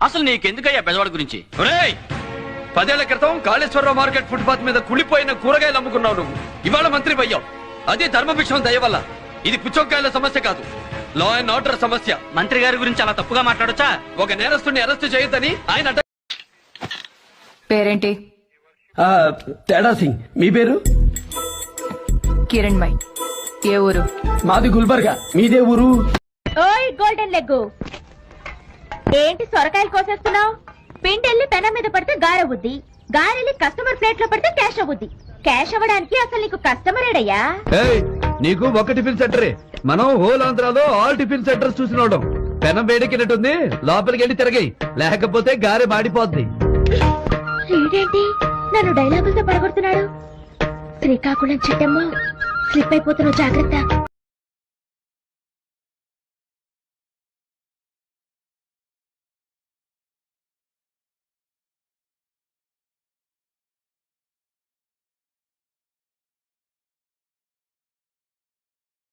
అసలు నీకెందుకయ్యా బెజవాడ గురించి? 10 ఏళ్ల క్రితం కాళేశ్వరరావు మార్కెట్ ఫుట్పాత్ మీద కుళ్ళిపోయిన కూరగాయలు అమ్ముకున్నావు నువ్వు. ఇవాళ మంత్రి అయ్యావు. అదే ధర్మభిక్షం దయ వల్ల. ఇది పుచ్చొక్కాయల సమస్య కాదు, లా అండ్ ఆర్డర్ సమస్య. మంత్రి గారి గురించి అలా తప్పుగా మాట్లాడొచ్చా? ఒక నేరస్తుని అరెస్ట్ చేయొద్దని ఆయన పేరేంటి? తేడా సింగ్. మీ పేరు? కిరణ్ మై. ఏ ఊరు? మాది గుల్బర్గా. మీదే ఊరు? ఓయ్ గోల్డెన్ లెగ్, ఏంటి సొరకాయలు కోసేస్తున్నావు? పిండెల్లి పెనం మీద పడితే గారవుద్ది, గారెల్లి కస్టమర్ ప్లేట్ లో పడితే క్యాష్ అవుద్ది. క్యాష్ అవ్వడానికి అసలు నీకు కస్టమర్ ఏడయ్యా? నీకు ఒక టిఫిన్ సెంటరే. మనం హోల్ ఆంధ్రాలో ఆల్ టిఫిన్ సెంటర్స్ చూసినోడం. పెనం వేడికినట్టుంది, లోపలికి వెళ్ళి తిరగాయి, లేకపోతే గారె మాడిపోద్ది. ఏంటి నన్ను డైలాగులతో పడగొడుతున్నాడు? శ్రీకాకుళం చెట్టమ్మ, స్లిప్ అయిపోతున్నావు, జాగ్రత్త.